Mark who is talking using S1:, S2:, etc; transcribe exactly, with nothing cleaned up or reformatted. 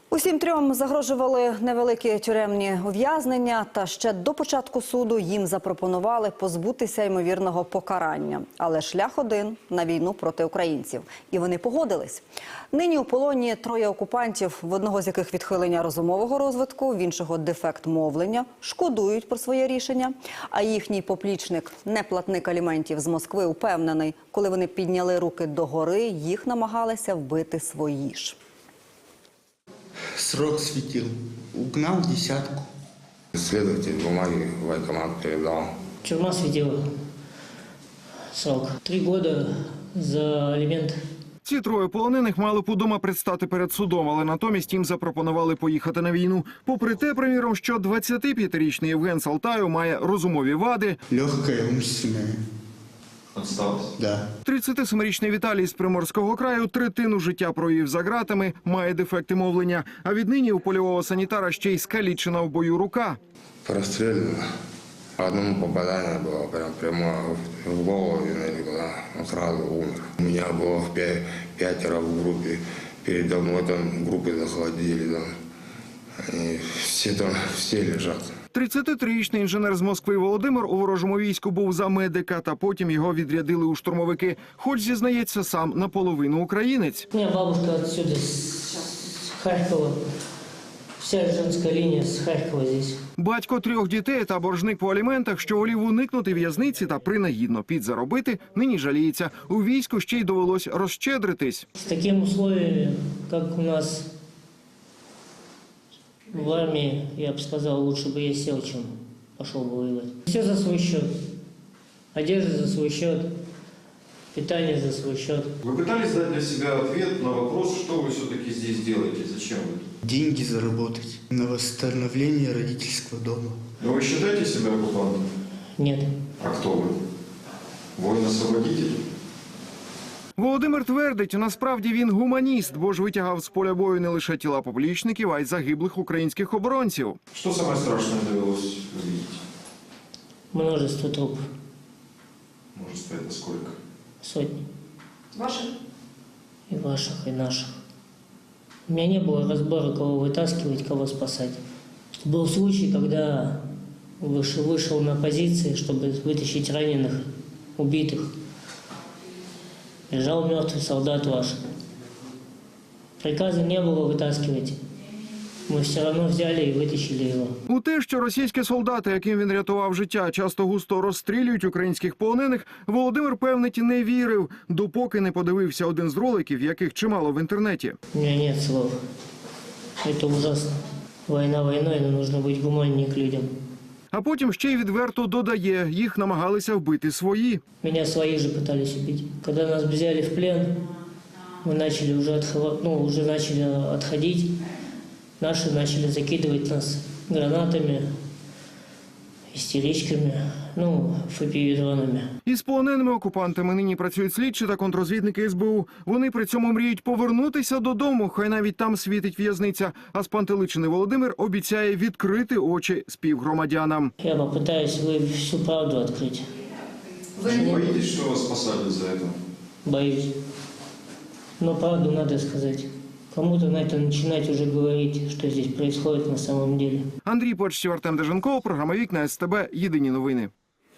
S1: Усім трьом загрожували невеликі тюремні ув'язнення, та ще до початку суду їм запропонували позбутися ймовірного покарання. Але шлях один – на війну проти українців. І вони погодились. Нині у полоні троє окупантів, в одного з яких відхилення розумового розвитку, в іншого дефект мовлення, шкодують про своє рішення. А їхній поплічник, неплатник аліментів з Москви, упевнений, коли вони підняли руки догори, їх намагалися вбити свої ж.
S2: Срок светил. Угнал десятку.
S3: Следователь бумаги в военкомат передал.
S4: Тюрьма светила. Срок. Три года за алимент.
S5: Ці троє полонених мали б удома предстати перед судом, але натомість їм запропонували поїхати на війну. Попри те, приміром, що двадцятип'ятирічний Євген Салтаєв має розумові вади.
S2: Легкая, умственная.
S3: Отсталось?
S2: Да.
S5: тридцятисемирічний Віталій з Приморського краю третину життя провів за ґратами, має дефекти мовлення. А віднині у польового санітара ще й скалічена в бою рука.
S3: Прострелено. Одному попадание было прям прямо в голову, и он сразу умер. У меня было пя- пятеро в группе. Передо мной там группы захватили. Там. Они все там, все лежат.
S5: тридцятитрирічний інженер з Москви Володимир у ворожому війську був за медика, та потім його відрядили у штурмовики. Хоч, зізнається, сам наполовину українець.
S4: У меня бабушка отсюда, с Харькова. Вся женская линия с Харькова здесь.
S5: Батько трьох дітей та боржник по аліментах, що волів уникнути в'язниці та принагідно підзаробити, нині жаліється. У війську ще й довелось розщедритись.
S4: С такими условиями, как у нас в армии, я бы сказал, лучше бы я сел, чем пошел бы воевать. Все за свой счет. Одежда за свой счет, питание за свой счет.
S6: Вы пытались дать для себя ответ на вопрос, что вы все-таки здесь делаете, зачем вы тут?
S2: Деньги заработать на восстановление родительского дома.
S6: Но вы считаете себя оккупантом?
S4: Нет.
S6: А кто вы? Воин-освободитель?
S5: Володимир твердить, насправді він гуманіст, бо ж витягав з поля бою не лише тіла поплічників, а й загиблих українських оборонців.
S6: Что самое страшное довелось увидеть?
S4: Множество трупов.
S6: Может, это сколько?
S4: Сотни.
S1: Ваших?
S4: И ваших, и наших. У меня не было разбора, кого вытаскивать, кого спасать. Был случай, когда вышел, вышел на позиции, чтобы вытащить раненых, убитых. Лежал мертвый солдат ваш. Приказа не было вытаскивать. Мы все равно взяли и вытащили его.
S5: У те, що російські солдати, яким він рятував життя, часто густо розстрілюють українських полонених, Володимир, певнить, не вірив, допоки не подивився один з роликів, яких чимало в інтернеті.
S4: У меня нет слов. Это ужасно. Война войной, но нужно быть гуманнее к людям.
S5: А потім ще й відверто додає, їх намагалися вбити свої.
S4: Меня свои же пытались убить. Когда нас взяли в плен, мы начали уже, отхова... ну, уже начали отходить. Наши начали закидывать нас гранатами, истеричками, ну, фопіві-дронами.
S5: Із полоненими окупантами нині працюють слідчі та контрозвідники ес бе у. Вони при цьому мріють повернутися додому, хай навіть там світить в'язниця. А спантеличений Володимир обіцяє відкрити очі співгромадянам.
S4: Я попытаюсь вы всю правду открыть.
S6: Вы не боитесь, что вас посадят за это?
S4: Боюсь. Но правду надо сказать. Кому-то надо начинать уже говорить, что здесь происходит на самом деле.
S5: Андрій Почтів, Артем Деженков, програма «Вікна ес те бе», єдині новини.